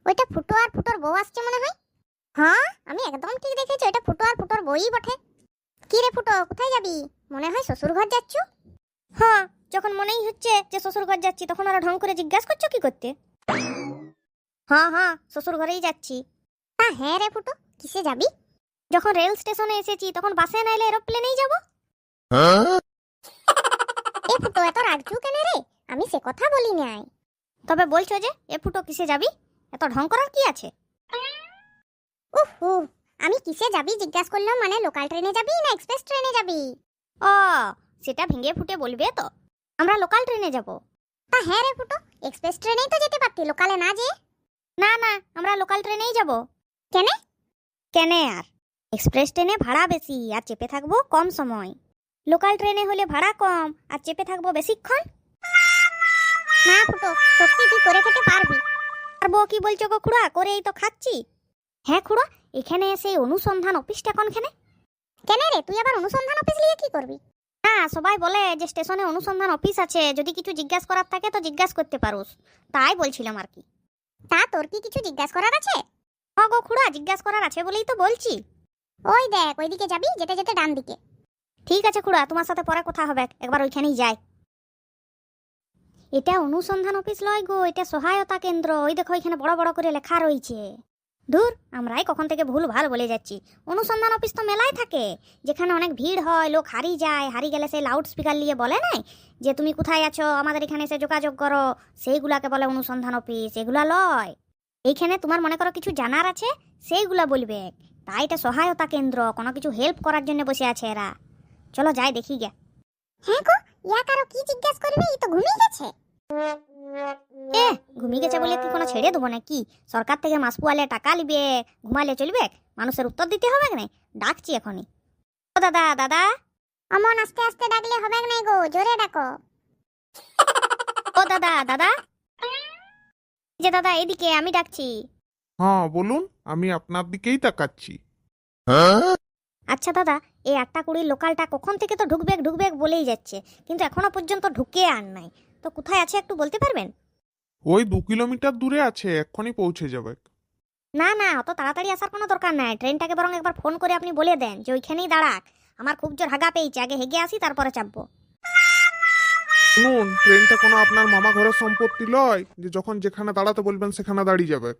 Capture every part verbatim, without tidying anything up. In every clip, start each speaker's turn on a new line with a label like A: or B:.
A: ওইটা ফুটো আর ফুটোর বউ আসছে মনে হয়। হ্যাঁ, আমি একদম ঠিক দেখেছি, ওইটা ফুটো আর ফুটোর বউই বটে। কি রে ফুটো, কোথায় যাবি? মনে হয় শ্বশুর ঘর যাচ্ছ।
B: হ্যাঁ, যখন মনেই হচ্ছে যে শ্বশুর ঘর যাচ্ছি তখন আরো ঢং করে জিজ্ঞাসা করছো কি করতে? হ্যাঁ হ্যাঁ, শ্বশুর ঘরেই যাচ্ছি।
A: তা হ্যাঁ রে ফুটো, কিসে যাবি?
B: যখন রেল স্টেশনে এসেছি তখন বাসে না এলে এরোপ্লেনেই যাব।
A: এ ফুটো, এত রাগছু কেন রে? আমি সে কথা বলি নাই।
B: তবে বলছো যে এ ফুটো কিসে যাবি? এত ঢং করার কি আছে?
A: উফ উফ, আমি কিসে যাবি জিজ্ঞাসা করলাম, মানে লোকাল ট্রেনে যাবি না এক্সপ্রেস ট্রেনে যাবি?
B: ও, সেটা ভেঙে ফুটে বলবে তো। আমরা লোকাল ট্রেনে যাব।
A: তা হ্যাঁ রে ফুটো, এক্সপ্রেস ট্রেনেই তো যেতে পারতি, লোকালে না যে।
B: না না, আমরা লোকাল ট্রেনেই যাব।
A: কেনে?
B: কেনে আর, এক্সপ্রেস ট্রেনে ভাড়া বেশি আর চেপে থাকবো কম সময়। লোকাল ট্রেনে হলে ভাড়া কম আর চেপে থাকবো বেশিক্ষণ।
A: না ফুটো, সত্যি তুই করে খেতে পারবি?
B: পারবো কি বলছো গো খুড়া, করেই তো খাচ্ছি। হ্যাঁ খুড়া, এখানে এসে অনুসন্ধান অফিসটা কোনখানে?
A: কেন রে, তুই আবার অনুসন্ধান অফিস নিয়ে কি করবি?
B: না, সবাই বলে যে স্টেশনে অনুসন্ধান অফিস আছে, যদি কিছু জিজ্ঞাসা করার থাকে তো জিজ্ঞাসা করতে পারোস, তাই বলছিলাম আর কি।
A: তা তোর কি কিছু জিজ্ঞাসা করার আছে?
B: হ্যাঁ গো খুড়া, জিজ্ঞাসা করার আছে বলেই তো বলছি।
A: ওই দেখ, ওইদিকে যাবি, যেতে যেতে ডান দিকে।
B: ঠিক আছে খুড়া, তোমার সাথে পরে কথা হবে, একবার ওইখানেই যাই। এটা অনুসন্ধান অফিস লয় গো, এটা সহায়তা কেন্দ্র। ওই দেখো এখানে বড় বড় করে লেখা রয়েছে। দূর, আমরাই কখন থেকে ভুল ভাল বলে যাচ্ছি। অনুসন্ধান অফিস তো মেলায় থাকে, যেখানে অনেক ভিড় হয়, লোক হারিয়ে যায়, হারিয়ে গেলে সেই লাউড স্পিকার নিয়ে বলে নাই যে তুমি কোথায় আছো, আমাদের এখানে এসে যোগাযোগ করো, সেইগুলাকে বলে অনুসন্ধান অফিস। এগুলা লয়। এইখানে তোমার মনে করো কিছু জানার আছে, সেইগুলা বলবে। তাই এটা সহায়তা কেন্দ্র, কোনো কিছু হেল্প করার জন্য বসে আছে এরা। চলো যাই দেখি গে।
A: হ্যাঁ গো, ইয়া কারো কি জিজ্ঞাসা করবে, ই তো ঘুমিয়ে গেছে।
B: এ, ঘুমিয়ে গেছে বলে কি কোনো ছেড়ে দেবো নাকি? সরকার থেকে মাস পোয়ালে টাকা লিবে, ঘুমালে চলবে? মানুষের উত্তর দিতে হবে না? ডাকছি এখনই। ও দাদা, দাদা।
A: অমন আস্তে আস্তে ডাকলে হবে নাই গো, জোরে ডাকো।
B: ও দাদা, দাদা। যে দাদা, এদিকে আমি ডাকছি।
C: হ্যাঁ বলুন, আমি আপনার দিকেই তাকাচ্ছি।
B: আচ্ছা দাদা, এই আটটা কুড়ির লোকালটা কখন থেকে তো ঢুকবে ঢুকবে বলেই যাচ্ছে, কিন্তু এখনো পর্যন্ত ঢুকে আর নাই। তো কোথায় আছে একটু বলতে পারবেন?
C: ওই দু কিলোমিটার দূরে আছে, এক্ষুনি পৌঁছে যাবে।
B: না না, অত তাড়াতাড়ি আসার কোনো দরকার নাই। ট্রেনটাকে বরং একবার ফোন করে আপনি বলে দেন যে ওইখানেই দাঁড়াক। আমার খুব জোর হাগা পেয়েছে, আগে হেগে আসি তারপরে চাপবো।
C: শুনুন, ট্রেনটা কোনো আপনার মামা ঘরের সম্পত্তি লয় যে যখন যেখানে দাঁড়াতে বলবেন সেখানে দাঁড়িয়ে যাবে।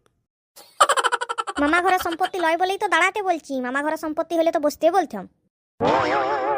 B: মামা ঘরের সম্পত্তি লয় বলেই তো দাঁড়াতে বলছি। মামা ঘরের সম্পত্তি হলে তো বসতে বলতাম।